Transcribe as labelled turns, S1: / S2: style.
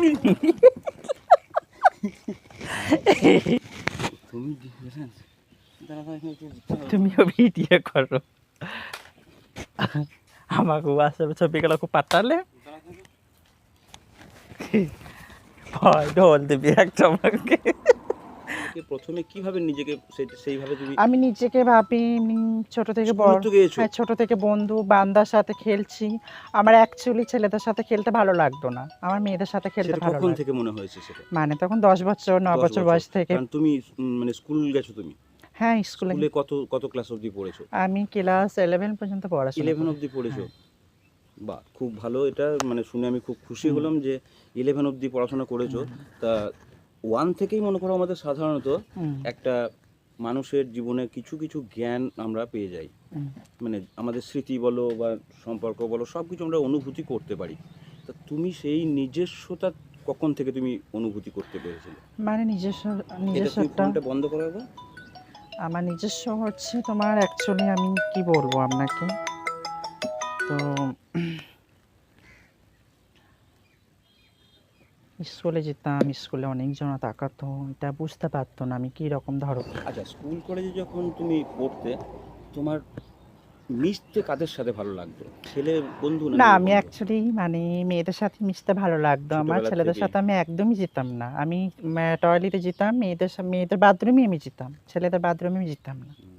S1: তুমিও ভিডিও করো, আমাকে হোয়াটসঅ্যাপে ছবিগুলো পাঠালে ভয় ঢোল দিবি একটা আমাকে।
S2: প্রথমে কিভাবে নিজেকে সেইভাবে তুমি?
S1: আমি নিজেকে ভাবি ছোট থেকে
S2: স্কুল
S1: বড়,
S2: তো গিয়েছো?
S1: হ্যাঁ ছোট থেকে বন্ধু বান্দার সাথে খেলছি। আমার অ্যাকচুয়ালি ছেলেদের সাথে খেলতে ভালো লাগতো না, আমার মেয়েদের সাথে খেলতে
S2: সেটা
S1: ভালো
S2: কখন
S1: লাগে।
S2: থেকে মনে হয়েছে সেটা?
S1: মানে তখন 10 বছর 9
S2: 10
S1: বছর বয়স থেকে।
S2: কারণ তুমি মানে স্কুল গেছো তুমি?
S1: হ্যাঁ স্কুলে।
S2: স্কুলে কত কত ক্লাস অবধি পড়েছো?
S1: আমি ক্লাস 11 পর্যন্ত পড়াশোনা
S2: 11
S1: করি।
S2: অবধি পড়েছো?
S1: হ্যাঁ।
S2: বাহ, খুব ভালো। এটা মানে শুনে আমি খুব খুশি হলাম যে 11 অবধি পড়াশোনা করেছো। তা 1 থেকেই মনে করো আমাদের সাধারণত একটা মানুষের জীবনে কিছু কিছু জ্ঞান আমরা পেয়ে যাই। মানে আমাদের স্মৃতি বলো বা সম্পর্ক বলো, সব কিছু আমরা অনুভূতি করতে পারি। তা তুমি সেই নিজস্বতা কখন থেকে তুমি অনুভূতি করতে পেরেছিলে?
S1: মানে
S2: এটা তুমি
S1: নিজস্বটা
S2: ফোনটা বন্ধ করো একবার।
S1: আমার নিজস্ব হচ্ছে তোমার অ্যাকচুয়ালি আমি কি বলবো আপনাকে, তো স্কুলে যেতাম, স্কুলে অনেকজন তাকাতো, এটা বুঝতে পারতো না আমি কি রকম ধরো।
S2: আচ্ছা, স্কুল কলেজে যখন তুমি পড়তে, তোমার মিশতে কাদের সাথে ভালো লাগতো? ছেলে বন্ধু না
S1: না
S2: মেয়ে
S1: আমি
S2: বন্ধু?
S1: অ্যাকচুয়ালি মানে মেয়েদের সাথে মিশতে ভালো লাগতো আমার,
S2: ছোটবেলা
S1: ছেলেদের
S2: থেকেই?
S1: সাথে আমি একদমই যেতাম না। আমি টয়লেটে যেতাম, মেয়েদের বাথরুমে আমি যেতাম, ছেলেদের বাথরুমে আমি যেতাম না।